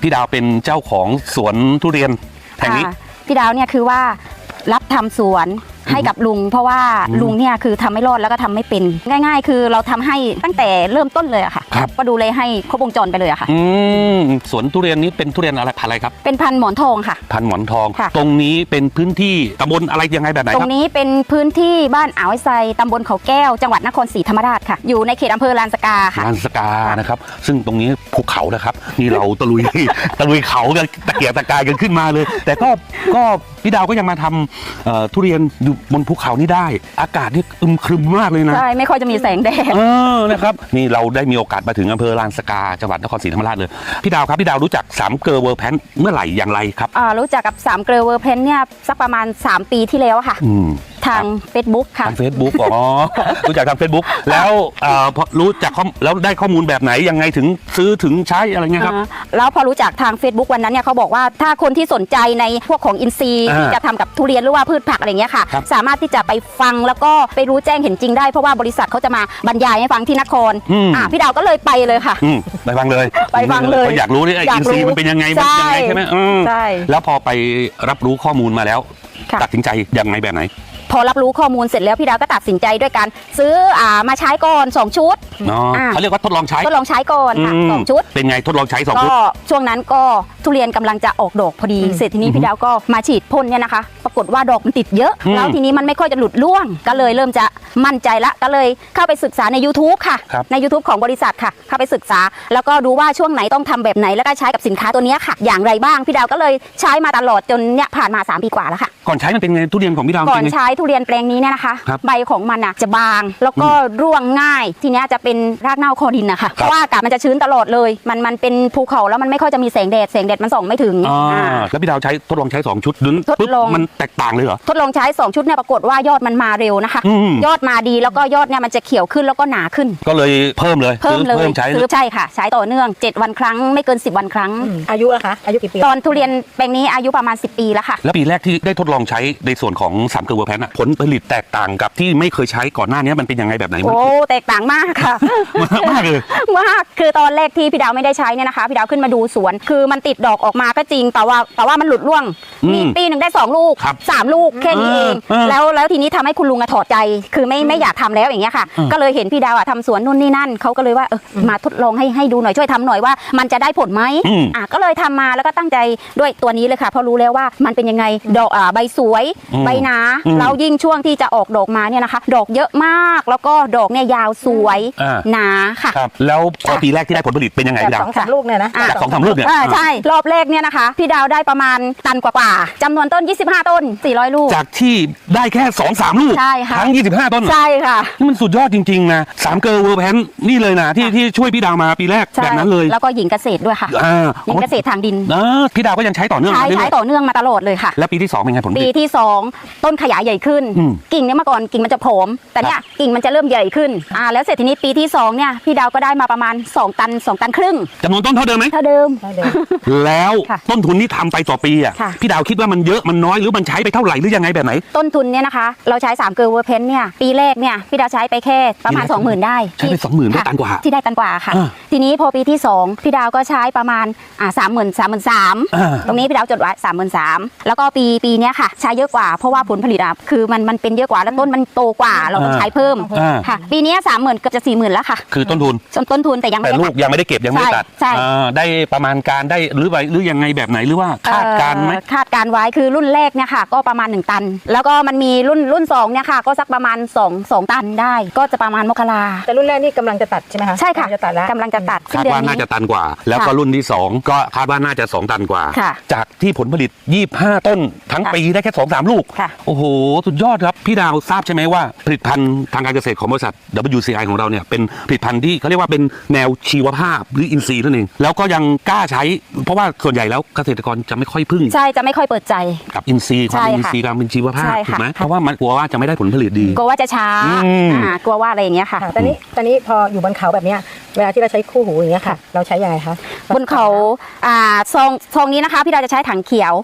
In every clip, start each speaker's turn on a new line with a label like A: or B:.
A: พี่ดาวเป็นเจ้าของสวนทุเรียนแห่งนี้
B: พี่ดาวเนี่ยคือว่ารับทำสวนให้กับลุงเพราะว่าลุงเนี่ยคือทำไม่รอดแล้วก็ทำไม่เป็นง่ายๆคือเราทำให้ตั้งแต่เริ่มต้นเลยอะค่ะก็ดูเลยให้ครบวงจรไปเลยอะค่ะ
A: สวนทุเรียนนี้เป็นทุเรียนอะไรพันธุ์อะไรครับ
B: เป็นพันธุ์หมอนทองค่ะ
A: พันธุ์หมอนทองตรงนี้เป็นพื้นที่ตำบลอะไรยังไงแบบไหนครับ
B: ตรงนี้เป็นพื้นที่บ้านอ่าวไซตำบลเขาแก้วจังหวัดนครศรีธรรมราชค่ะอยู่ในเขตอำเภอลานสกาค่ะ
A: ลานสกานะครับซึ่งตรงนี้ภูเขานะครับนี่เราตะลุยเขากันตะเกียกตะกายกันขึ้นมาเลยแต่ก็พี่ดาวก็ยังมาทำทุเรียนอยู่บนภูเขานี่ได้อากาศนี่อึมครึมมากเลยนะ
B: ใช่ไม่ค่อยจะมีแสงแดด
A: นะครับนี่เราได้มีโอกาสมาถึงอำเภอลานสกาจังหวัดนครศรีธรรมราชเลยพี่ดาวครับพี่ดาวรู้จัก3เกลอเวอร์แพนเมื่อไหร่อย่างไรครับ
B: รู้จักกับ3เกลอเวอร์แพนเนี่ยสักประมาณ3ปีที่แล้วค่ะทาง Facebook ค่ะ
A: ทาง Facebook อ๋อรู้จักทาง Facebook แล้วพอรู้จักแล้วได้ข้อมูลแบบไหนยังไงถึงซื้อถึงใช้อะไรเงี้ยครับ
B: แล้วพอรู้จักทาง Facebook วันนั้นเนี่ยเขาบอกว่าถ้าคนที่สนใจในพวกของอินทรีย์ที่จะทำกับทุเรียนหรือว่าพืชผักอะไรเงี้ยค่ะสามารถที่จะไปฟังแล้วก็ไปรู้แจ้งเห็นจริงได้เพราะว่าบริษัทเขาจะมาบรรยายให้ฟังที่นครพี่ดาวก็เลยไปเลยค่ะ
A: ไปฟังเลยอยากรู้นี่อินทรีย์มันเป็นยังไงใช่ไหม
B: ใช่
A: แล้วพอไปรับรู้ข้อมูลมาแล้วตัดสินใจยังไงแบบไหน
B: พอรับรู้ข้อมูลเสร็จแล้วพี่ดาวก็ตัดสินใจด้วยการซื้อมาใช้ก่อน2ชุด
A: เขาเรียกว่าทดลองใช้
B: ก่อนค่ะ2ชุด
A: เป็นไงทดลองใช้2ชุด
B: ก็ช่วงนั้นก็ทุเรียนกำลังจะออกดอกพอดีเสร็จทีนี้พี่ดาวก็มาฉีดพ่นเนี่ยนะคะปรากฏว่าดอกมันติดเยอะแล้วทีนี้มันไม่ค่อยจะหลุดร่วงก็เลยเริ่มจะมั่นใจละก็เลยเข้าไปศึกษาใน YouTube ค่ะใน YouTube ของบริษัทค่ะเข้าไปศึกษาแล้วก็ดูว่าช่วงไหนต้องทำแบบไหนแล้วก็ใช้กับสินค้าตัวนี้ค่ะอย่างไรบ้างพี่ดาวก็เลยใช้มาตลอดจนเนี่ยผ่านมา3 ปีกว่าแล้วค่ะ
A: ก่อนใช้มันเป็นไงทุเรียนของพี่ดาว
B: ก่อนใช้ทุเรียนแปลงนี้เนี่ยนะคะใบของมันจะบางแล้วก็ร่วงง่ายทีนี้จะเป็นรากเน่าคอดินนะคะเพราะว่าอากาศมันจะชื้นตลอดเลยมันเป็นภูเขาแล้วมันไม่ค่อยจะมีแสงแดดมันส่องไม่ถึง
A: แล้วพี่ดาวทดลองใช้2ชุดปุ๊บมันแตกต่างเลยเหรอ
B: ทดลองใช้2ชุดเนี่ยปรากฏว่ายอดมันมาเร็วนะคะยอดมาดีแล้วก็ยอดเนี่ยมันจะเขียวขึ้นแล้วก็หนาขึ้น
A: ก็เลยเพิ่มใช้
B: ใช่ค่ะใช้ต่อเนื่อง7 วันครั้งไม่เกิน10 วันครั้ง
C: อายุนะคะอายุกี่ปี
B: ตอนทุเรียนแปลงนี้อายุประมาณ10 ปีแล้วค่ะ
A: แล้วปีแรกที่ได้ทดลองใช้ในส่วนของ3เกลอเวอร์แพนผลผลิตแตกต่างกับที่ไม่เคยใช้ก่อนหน้านี้มันเป็นยังไงแบบไหน
B: โอ้แตกต่างมากค่ะ
A: มากเลย
B: มากคือตอนแรกที่พี่ดาวไม่ได้ใช้เนี่ยนะคะพี่ดาวขึ้นมาดูสวนคือมันติดดอกออกมาก็จริงแต่ว่ามันหลุดร่วงมีปีหนึ่งได้2 ลูก3 ลูกแค่นี้เองแล้วทีนี้ทำให้คุณลุงถอดใจคือไม่อยากทำแล้วอย่างเงี้ยค่ะก็เลยเห็นพี่ดาวทำสวนนู่นนี่นั่นเขาก็เลยว่ามาทดลองให้ดูหน่อยช่วยทำหน่อยว่ามันจะได้ผลไหมก็เลยทำมาแล้วก็ตั้งใจด้วยตัวนี้เลยค่ะเพราะรู้แล้วว่ามันเป็นยังไงดอกใบสวยใบหนาแล้วยิ่งช่วงที่จะออกดอกมาเนี่ยนะคะดอกเยอะมากแล้วก็ดอกเนี่ยยาวสวยหนาค่ะ
A: แล้วพอปีแรกที่ได้ผลผลิตเป็นยังไงพี่ดาว
C: 2-3 ลูกเนี่ยนะ
A: จาก2-3 ลูกเนี่ย
B: ใช่รอบแรกเนี่ยนะคะพี่ดาวได้ประมาณตันกว่าจำนวนต้น25 ต้น400 ลูก
A: จากที่ได้แค่2-3 ลูกทั้ง25 ต้น
B: ใช่ค่ะ
A: นี่มันสุดยอดจริงๆนะ3เกลอเวอร์แพนนี่เลยนะที่ช่วยพี่ดาวมาปีแรกแบบนั้นเลย
B: แล้วก็หญิงเกษตรด้วยค่ะหญิงเกษตรทางดิน
A: พี่ดาวก็ยังใช้ต่อเนื่อง
B: ใช้ต่อเนื่องมาตลอดเลยค่ะ
A: แล้วปีที่2เป็นไงผล
B: ปีที่2ต้นขยายใหญ่ขึ้นกิ่งเนี่ยเมื่อก่อนกิ่งมันจะผอมแต่เนี่ยกิ่งมันจะเริ่มใหญ่ขึ้นแล้วเสร็จทีนี้ปีที่2เนี่ยพี่ดาวก็ได้มาประมาณ2 ตัน2 ตันครึ่ง
A: จำนวนต้นเท่าเดิมไหม
B: เท่าเดิม
A: แล้วต้นทุนที่ทำไปต่อปีพี่ดาวคิดว่ามันเยอะมันน้อยหรือมันใช้ไปเท่าไหร่หรือยังไงแบบไหน
B: ต้นทุนเนี่ยนะคะเราใช้3เกลอเวอร์แพนเนี่ยปีแรกเนี่ยพี่ดาวใช้ไปแค่ประมาณ 20,000 ได้
A: ใช้ไป20,000ได้ตันกว่า
B: ที่ได้ตันกว่าค่ะทีนี้พอปีที่2พี่ดาวก็ใช้ประมาณ33,000ตรงนี้พี่ดาวจดไว้33,000แล้วก็ปีเนี้ยค่ะใช้เยอะกว่าเพราะว่าผลผลิตคือมันเป็นเยอะกว่าแล้วต้นมันโตกว่าเราต้องใช้เพิ่มค่ะปีนี้30,000เกือบจะ40,000แล้วค่ะ
A: คือต้นทุน
B: แต่ยังไม่
A: ลูกยังไม่ได้เก็บยังไม่ได้ตัดได้ประมาณการได้หรือยังไงแบบไหนหรือว่าคาดการไหม
B: คาดการไว้คือรุ่นแรกเนี่ยค่ะก็ประมาณ1 ตันแล้วก็มันมีรุ่น2เนี่ยค่ะก็สักประมาณ2 ตันได้ก็จะประมาณมกรา
C: แต่รุ่นแรกนี่กำลังจะตัดใช่ไหมคะ
B: ใช่ค่ะกำลังจะตัด
A: คาดว่าน่าจะตันกว่าแล้วก็รุ่นที่2ก็คาดว่าน่าจะ2 ตันกว่าจากที่ผลผลิต25 ต้นทั้งปีได้แค่2-3 ลูกโอ้โหสุดยอดครับพี่ดาวทราบใช่ไหมว่าผลิตภัณฑ์ทางการเกษตรของบริษัท WCI ของเราเนี่ยเป็นผลิตภัณฑ์ที่เขาเรียกว่าเป็นแนวชีวภาพหรืออินทรีย์นั่นเองแล้วก็ยังกล้าใช้เพราะว่าส่วนใหญ่แล้วเกษตรกรจะไม่ค่อยพึ่ง
B: ใช่จะไม่ค่อยเปิดใจ
A: กับอินทรีย์ความเป็นอินทรีย์การเป็นชีวภาพถูกไหมเพราะว่ามันกลัวว่าจะไม่ได้ผลผลิตดี
B: กลัวว่าจะช้ากลัวว่าอะไรอย่างเงี้ยค่ะ
C: ตอนนี้พออยู่บนเขาแบบเนี้ยเวลาที่เราใช้คู่หูอย่างเงี้ยค่ะเราใช้ยังไงคะ
B: บนเขาซองนี้นะคะพี่ดาวจะใช้ถังเขียว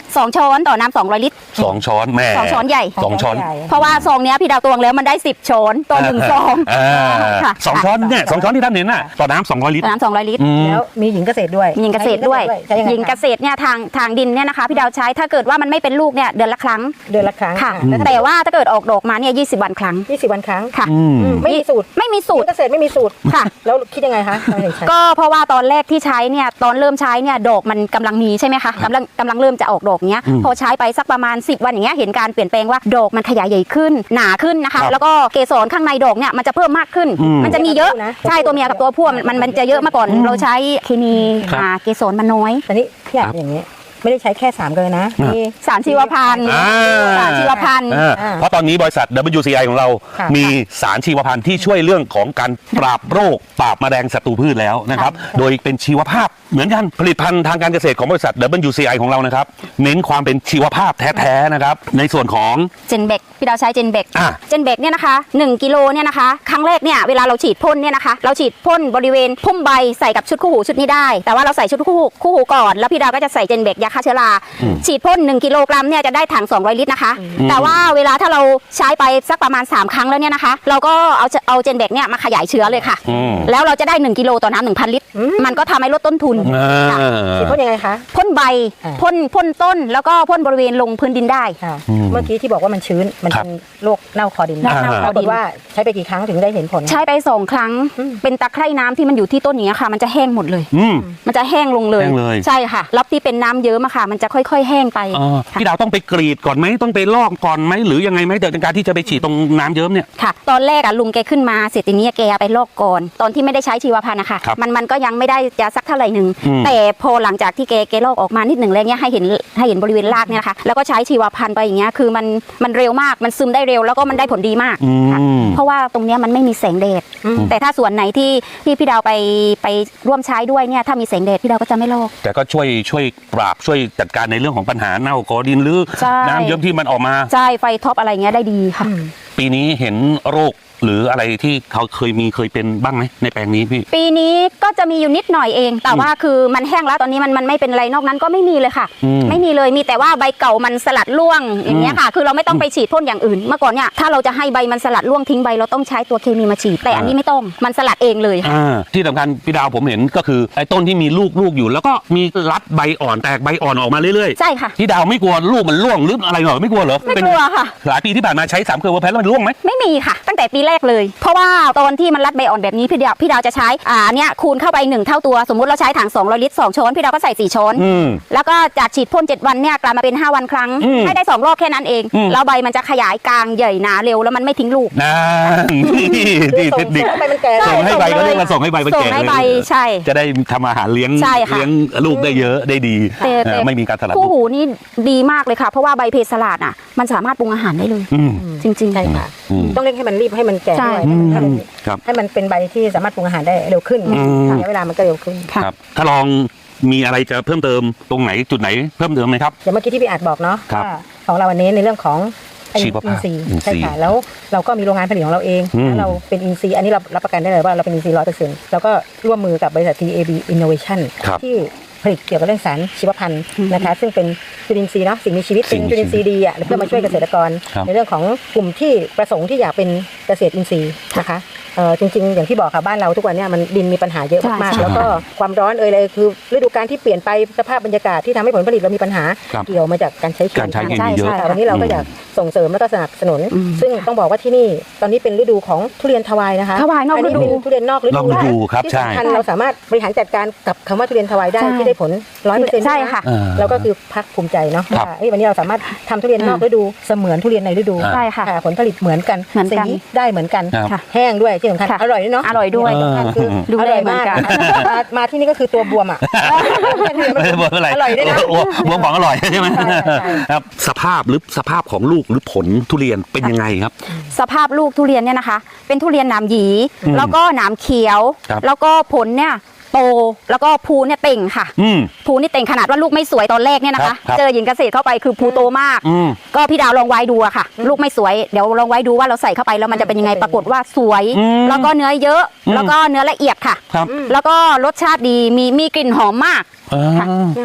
B: 2 ช้อนต่อน้ำ200 ลิตร
A: 2 ช้อนแม่
B: 2 ช้อนใหญ่
A: 2 ช้อน
B: เพราะว่าซองเนี้ยพี่ดาวตวงแล้วมันได้ 10 ช้อนต่อ1ซอง ค่ะ
A: สองช้อนเนี่ย2 ช้อนที่ท่านเห็นน่ะต่อน้ำ200 ลิตร
B: น้ำ200 ลิตร
C: แล้วมีหญิงเกษตรด้วย
B: หญิงเกษตรด้วย
C: ใช้ยังไง
B: หญิงเกษตรเนี่ยทางดินเนี่ยนะคะพี่ดาวใช้ถ้าเกิดว่ามันไม่เป็นลูกเนี่ยเดือนละครั้ง
C: เดือนละครั้ง
B: ค่ะ
C: แล้ว
B: แต่ว่าถ้าเกิดออกดอกมาเนี่ย20 วันครั้ง
C: 20 วันครั้ง
B: ค่ะ
C: ไม่มีสูตร
B: ไม่มีสู
C: หญิ
B: ต
C: ง
B: ร
C: เกษตรไม่มีสูตร
B: ค่ะ
C: แล้วคิดยังไงคะทำไมถึงใช้
B: ก็เพราะว่าตอนแรกที่ใช้เนี่ยตอนเริ่มใช้เนี่ยดอกมันกำลังมีใช่ไหมคะกำลังเริ่มจะออกดอกเนี้ยพอใช้ไปสักประมาณ10 วันอย่างเงี้ยเห็นการเปลี่ยนแปลงว่าดอกมันขยายใหญ่ขึ้นหนาขึ้นนะคะ แล้วก็เกสรข้างในดอกเนี่ยมันจะเพิ่มมากขึ้น มันจะมีเยอะใช่ตัวเมียกับตัวผู้มันจะเยอะมาก่อนเราใช้เคมีเกสรมันน้อย
C: แต่นี่พี่อยากอย่างนี้ไม่ได้ใช้แค่3เกลือนะมี
B: สารชีวพันธุ์ สารชีวพันธุ์
A: เพราะตอนนี้บริษัท WCI ของเรา
C: ค่ะ
A: มีสารชีวพันธุ์ที่ช่วยเรื่องของการปราบโรคปราบแมลงศัตรูพืชแล้วนะครับ โดยเป็นชีวภาพเหมือนกันผลิตภัณฑ์ทางการเกษตรของบริษัท WCI ของเรานะครับเน้นความเป็นชีวภาพแท้ๆนะครับในส่วนของ
B: เจนเบกพี่ดาวใช้เจนเบก
A: อ่ะ
B: เจนเบกเนี่ยนะคะ1 กิโลเนี่ยนะคะครั้งแรกเนี่ยเวลาเราฉีดพ่นเนี่ยนะคะเราฉีดพ่นบริเวณพุ่มใบใส่กับชุดคู่หูชุดนี้ได้ แต่ว่าเราใส่ชุดคู่หูก่อนแล้วพี่ดาวก็จะใส่เจนเบกยาฆ่าเชื้อราฉีดพ่น1 กิโลกรัมเนี่ยจะได้ถัง200 ลิตรนะคะแต่ว่าเวลาถ้าเราใช้ไปสักประมาณ3 ครั้งแล้วเนี่ยนะคะเราก็เอาเจนเบกเนี่ยมาขยายเชื้อเลยค่ะ แล้วเราจะได้1 กิโลต่อน้ำ 1,000 ลิตรมันก็ทำให้ลดต้นทุนค่ะ
C: ฉีดพ่นยังไงคะ
B: พ่นใบ
C: อ่า
B: พ่นต้นแล้วก็พ่นบริเวณลงพื้นดินได้
C: ค่ะเมื่อกี้ที่บอกว่ามันชื้นมันเป็นโรคเน่าคอดิน
B: เน่าคอดิน
C: ปรากฏว่าใช้ไปกี่ครั้งถึงได้เห็นผล
B: ใช้ไป2 ครั้งเป็นตะไคร่น้ำที่มันอยู่ที่ต้นอย่างเงี้ยค่ะ มันจะแห้งหมดเลย
A: อืม
B: มันจะแห้งลงเลย
A: แห้งเลย
B: ใช่ค่ะแล้วที่เป็นน้ำเยอะมาค่ะ มันจะค่อยๆ แห้งไป
A: พี่ดาวต้องไปกรีดก่อนไหมต้องไปลอกก่อนไหมหรือยังไงไหมแต่ในการที่จะไปฉีดตรงน้ำเยิ้มเนี่ย
B: ค่ะ ตอนแรกลุงแกขึ้นมาเสร็จทีนี้แกไปลอกก่อนตอนที่ไม่ได้ใช้ชีวพันธุ์นะคะ
A: ครับ
B: มันก็ยังไม่ได้จะสักเท่าไหร่หนึ่งแต่พอหลังจากที่แกลอกออกมานิดหนึ่งแล้วเนี่ยให้เห็นบริเวณรากเนี่ยนะคะแล้วก็ใช้ชีวพันธุ์ไปอย่างเงี้ยคือมันเร็วมากมันซึมได้เร็วแล้วก็มันได้ผลดีมากค่ะเพราะว่าตรงเนี้ยมันไม่มีแสงแดดแต่ถ้าส่วนไหนที่พี่ดาวไปร่วมใช้ด้วยเนี่ยถ้ามีแสงแดดพี่ดาวก็จะไม่ลอก
A: แต่ก็ช่วยปราบช่วยจัดการในเรื่องของปัญหาเน่ากอดินหรือ
B: ใช่
A: น้ำเยิ้มที่มันออกมา
B: ใช่ไฟท็อปอะไรเงี้ยได้ดีค่ะ
A: ปีนี้เห็นโรคหรืออะไรที่เขาเคยเป็นบ้างไหมในแปลงนี้พี่
B: ปีนี้ก็จะมีอยู่นิดหน่อยเอง แต่ว่าคือมันแห้งแล้วตอนนี้มันไม่เป็นไรนอกนั้นก็ไม่มีเลยค่ะ ไม่มีเลยมีแต่ว่าใบเก่ามันสลัดร่วงอย่างเงี้ยค่ะ คือเราไม่ต้องไปฉีดพ่นอย่างอื่นเมื่อก่อนเนี่ยถ้าเราจะให้ใบมันสลัดร่วงทิ้งใบเราต้องใช้ตัวเคมีมาฉีดแต่อันนี้ไม่ต้องมันสลัดเองเลยค่ะ
A: ที่สำคัญพี่ดาวผมเห็นก็คือไอ้ต้นที่มีลูกอยู่แล้วก็มีรัดใบอ่อนแตกใบอ่อนออกมาเรื่อย
B: ใช่ค่ะ
A: พี่ดาวไม่กลัวลูกมันร่วงหรืออะไรเหรอไม่กลัวเหรอ
B: ไม่กลัวค่ะ
A: หลายปีที่ผ่านมาใช้3 เกลือเวอร์แพนแล้วมันร่วงไหม
B: ไม่มีค่ะ ตั้งแต่ปีแรกเลย เพราะว่าตอนที่มันรัดใบอ่อนแบบนี้พี่ดาวจะใช้เนี่ยคูณเข้าไป1 เท่าตัวสมมุติเราใช้ถัง200 ลิตร2 ช้อนพี่ดาวก็ใส่4 ช้อนแล้วก็จากฉีดพ่น7 วันเนี่ยกลายมาเป็น5 วันครั้งให้ได้2 รอบแค่นั้นเองแล้วใบมันจะขยายกลางใหญ่หนาเร็วแล้วมันไม่ทิ้งลูก
A: นี่เทคนิค
C: ส่งให้มันแก่
A: ส่งให้ใบก็เรียกว่าส่งให้ใบมัน
B: ส่ง
A: แก่
B: ให้ใบใช่
A: จะได้ทำอาหารเลี้ยง
B: ใช่ค่ะ
A: เลี้ยงลูกได้เยอะได้ดี
B: แต่
A: ไม่มีการสลัด
B: คู่หูนี่ดีมากเลยค่ะเพราะว่าใบเพสลาดอ่ะมันสามารถปรุงอาหารได้เลยจริงๆ
C: ใช่ค่ะต้องเร่งให้มันรีบให้มันแก่
B: ใช่
C: ด้วย
A: ครับ
C: ให้มันเป็นใบที่สามารถปรุงอาหารได้เร็วขึ้นระยะเวลามันก็เร็วขึ้น
B: ค่ะ
A: ครับถ้าลองมีอะไรจะเพิ่มเติมตรงไหนจุดไหนเพิ่มเติมไหมครับ
C: เดี๋ยวเมื่อกี้ที่พี่อาจบอกเนาะ
A: ครับ
C: ว่าของเราวันนี้ในเรื่องของ
A: ชีวภาพ
C: อินทรีย์
A: อินทรีย์
C: ใช่ค่ะแล้วเราก็มีโรงงานผลิตของเราเองแล้วเราเป็นอินทรีย์อันนี้เรารับประกันได้เลยว่าเราเป็นอินทรีย์100%แล้วก็ร่วมมือกับบริษัท TAB Innovation
A: ครับ
C: ที่ผลิตเกี่ยวกับเรื่องสารชีวพันธุ์นะคะซึ่งเป็นจุลินทรีย์เนาะสิ่งมีชีวิตเป็นจุลินทรีย์ดีอ่ะเพื่อมาช่วยเกษตรกร
A: ครับ
C: ในเรื่องของกลุ่มที่ประสงค์ที่อยากเป็นเกษตรอินทรีย์นะคะจริงๆอย่างที่บอกค่ะบ้านเราทุกวันเนี้มันดินมีปัญหาเยอะมาก
B: ใช่
C: ๆแล้วก็ความร้อนเลยคือฤดูกาลที่เปลี่ยนไปสภาพบรรยากาศที่ทำให้ผลผลิตเรามีปัญหา
A: ครับ
C: เกี่ยวมาจากการใช้เคมี
A: การใช้เคมีเยอะ
B: ใช่
C: วันนี้เราก็อยากส่งเสริมและก็สนับสนุน ซึ่งต้องบอกว่าที่นี่ตอนนี้เป็นฤดูของทุเรียนทวายนะคะ
B: ทวายนอกฤดู
C: เป็นทุเรียนนอกฤ
A: นอกฤดูครับ
C: ที่
A: ใช่
C: สำคัญเราสามารถบริหารจัดการกับคำว่าทุเรียนทวายได้
B: ใช่
C: ที่ได้ผล 100%
B: ใช่ค่ะ
C: เราก็คือภาคภูมิใจเนาะ
A: ครับ
C: ว่าวันนี้เราสามารถทำทุเรียนนอกฤดูเสมือนทุเรียนในฤดู
B: ใช่ค่ะ
C: ผลผลิตเหมือนกัน
B: เหมือนกัน
C: สีได้เหมือนกัน
A: ครับ
C: แห้งด้วยที่สำคัญ
B: ค่ะ
C: อร่อยด้วยเนาะ
B: อร่อยด้วย
C: สำคัญคือ
B: ดู
C: อ
B: แล
C: ร่อย
B: เหมือน
C: มาก
B: กัน
C: มาที่นี่ก็คือตัวบวมอ่ะ
A: ไม่ได้บอกอะไร
C: อร่อยด้วยนะ
A: บวมของอร่อยใช่ไหม
C: ใช่
A: ครับสภาพของลูกหรือผลทุเรียนเป็นยังไงครับ
B: สภาพลูกทุเรียนเนี่ยนะคะ เป็นทุเรียนหนามหยี แล้วก็หนามเขียว
A: ครับ
B: แล้วก็ผลเนี่ยโตแล้วก็ภูเนี่ยเต่งค่ะ ภูนี่เต่งขนาดว่าลูกไม่สวยตอนแรกเนี่ยนะคะ
A: ครับ
B: เจอหญิงเกษตรเข้าไปคือภูโตมาก ก็พี่ดาวลองไว้ดูอะค่ะ ลูกไม่สวยเดี๋ยวลองไว้ดูว่าเราใส่เข้าไปแล้วมันจะเป็นยังไงปรากฏว่าสวย แล้วก็เนื้อเยอะ แล้วก็เนื้อละเอียดค่ะ
A: ครับ
B: แล้วก็รสชาติดีมีกลิ่นหอมมากค่ะ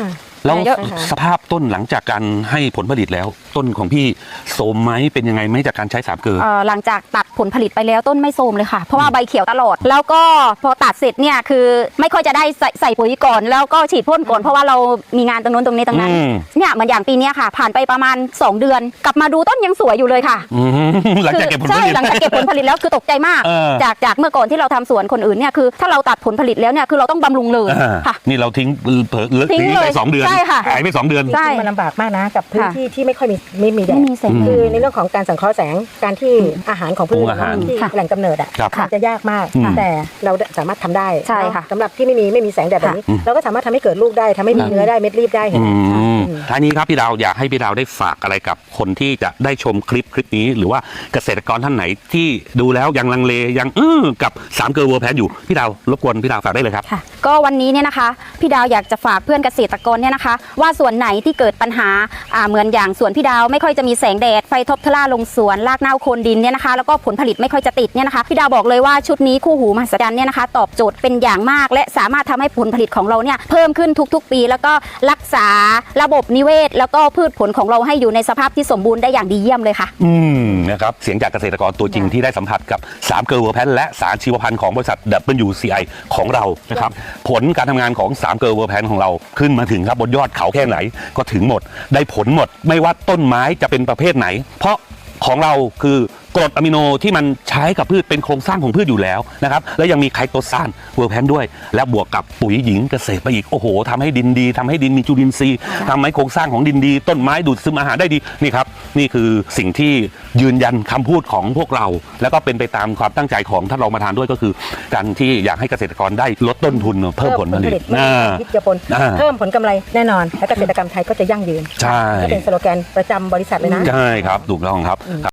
A: แล้ว
B: เยอะ
A: สภาพต้นหลังจากการให้ผลผลิตแล้ว ต้นของพี่โทรมไหมเป็นยังไงไหมจากการใช้3 เกลอ
B: หลังจากตัดผลผลิตไปแล้วต้นไม่โทรมเลยค่ะ เพราะว่าใบเขียวตลอด แล้วก็พอตัดเสร็จเนี่ยคือไม่ค่อยจะได้ใส่ปุ๋ยก่อน แล้วก็ฉีดพ่นก่อนเพราะว่าเรามีงานตรงนู้นตรงนี้ตรงนั้นเนี่ยเหมือนอย่างปีเนี้ยค่ะ ผ่านไปประมาณ2 เดือน กลับมาดูต้นยังสวยอยู่เลยค่ะ
A: หลังจากเก็บผลผ
B: ใช่
A: ลิต
B: หลังจากเก็บผลผลิตแล้วคือตกใจมาก จากเมื่อก่อนที่เราทำสวนคนอื่นเนี่ยคือถ้าเราตัดผลผลิตแล้วเนี่ยคือเราต้องบำรุงเลยค่ะ
A: นี่เราทิ้งเผลอ
B: ทิ้ง
A: ไป
B: เลย
A: 2 เดือน
B: ใช่ค่ะ
A: หายไป2 เดือน
B: ใช่
C: มันลำบากมากนะกับพื้นที่ที่ไม่ค่อยมีแด
B: ไม่
C: ด
B: มีแสง
C: คือในเรื่องของการสังเคราะห์แสงการที่อาหารของพืช
A: อาหาร
C: ที่
B: ค่ะ
C: แหล่งกำเนิดอ่ะ
A: ครับ
C: มันจะยากมาก
A: อืม
C: แต่เราสามารถทำได้
B: ใช่ค่ะ
C: สำหรับที่ไม่มีแสงแดดแบบนี้ เราก็สามารถทำให้เกิดลูกได้ทำให้มีเนื้อได้เม็ดรีบได้เห็นไหม
A: ท้ายนี้ครับพี่ดาวอยากให้พี่ดาวได้ฝากอะไรกับคนที่จะได้ชมคลิปนี้ หรือว่าเกษตรกรท่านไหนที่ดูแล้วยังลังเลยังกับ3 เกลอเวอร์แพนอยู่พี่ดาวรบกวนพี่ดาวฝากได้เลยครับ
B: ค่ะก็วันนี้เนี่ยนะคะพี่ดาวอยากจะฝากเพื่อนเกษตรกรเนี่ยนะคะ ว่าส่วนไหนที่เกิดปัญหาเหมือนอย่างสวนพี่ดาวไม่ค่อยจะมีแสงแดดไฟทบทล่าลงสวนรากเน่าโคนดินเนี่ยนะคะแล้วก็ผลผลิตไม่ค่อยจะติดเนี่ยนะคะพี่ดาวบอกเลยว่าชุดนี้คู่หูมหัศจรรย์เนี่ยนะคะตอบโจทย์เป็นอย่างมาก และสามารถทำให้ผลผลิตของเราเนี่ยเพิ่มขึ้นทุกๆ ปี แล้วก็รักษาระบบนิเวศ แล้วก็พืชผลของเราให้อยู่ในสภาพที่สมบูรณ์ได้อย่างดีเยี่ยมเลยค่ะ
A: นะครับเสียงจากเกษตรกรตัวจริงที่ได้สัมผัสกับ3 เกลอเวอร์แพนและสารชีวพันธุ์ของบริษัท WCI ของเรานะครับผลการทำงานของ3 เกลอเวอร์แพนของเราขึ้นมาถึงครับบนยอดเขาแค่ไหนก็ถึงหมดได้ผลหมดไม่ว่าต้นไม้จะเป็นประเภทไหน เพราะของเราคือกรดอะมิโนที่มันใช้กับพืชเป็นโครงสร้างของพืชอยู่แล้วนะครับแล้วยังมีไคโตซานเวอร์แพนด้วย และบวกกับปุ๋ยหญิงเกษตรไปอีกโอ้โหทำให้ดินดีทำให้ดินมีจุลินทรีย์ทำให้โครงสร้างของดินดี ต้นไม้ดูดซึมอาหารได้ดีนี่ครับนี่คือสิ่งที่ยืนยันคำพูดของพวกเรา แล้วก็เป็นไปตามความตั้งใจของท่านรองประธานด้วยก็คือการที่อยากให้เกษตรกรได้ลดต้นทุนเพิ่มผลผลิต
C: พิจารณาเพิ่มผลกำไรแน่นอนและเกษตรกรรมไทยก็จะยั่งยืน
A: ใช่
C: ก็เป็นสโลแกนประจำบริษัทเลยนะ
A: ใช่ครับถูกต้องครับ